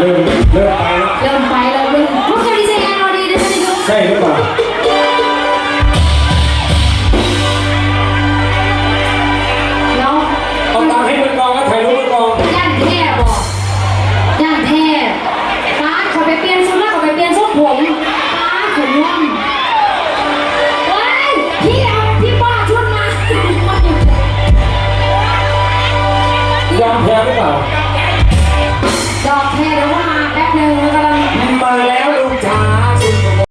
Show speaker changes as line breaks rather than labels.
เริ่มไปแล้ว
เริ่มไปแล้วเริ่มพวกเราดีใจงานเราดีนะท่านนายก
ใช่หรือเปล่า
แล้ว
เอาตังค์ให้มือกองแล้วถ่ายรูปมือกอง
ย่างแท่บอกย่างแท่ป้าขอไปเปลี่ยนชุดแล้วขอไปเปลี่ยนทรงผมป้าขนว่องเฮ้ยพี่เอาพี่ป้าชุดมาย
อมแพ้หรือเปล่า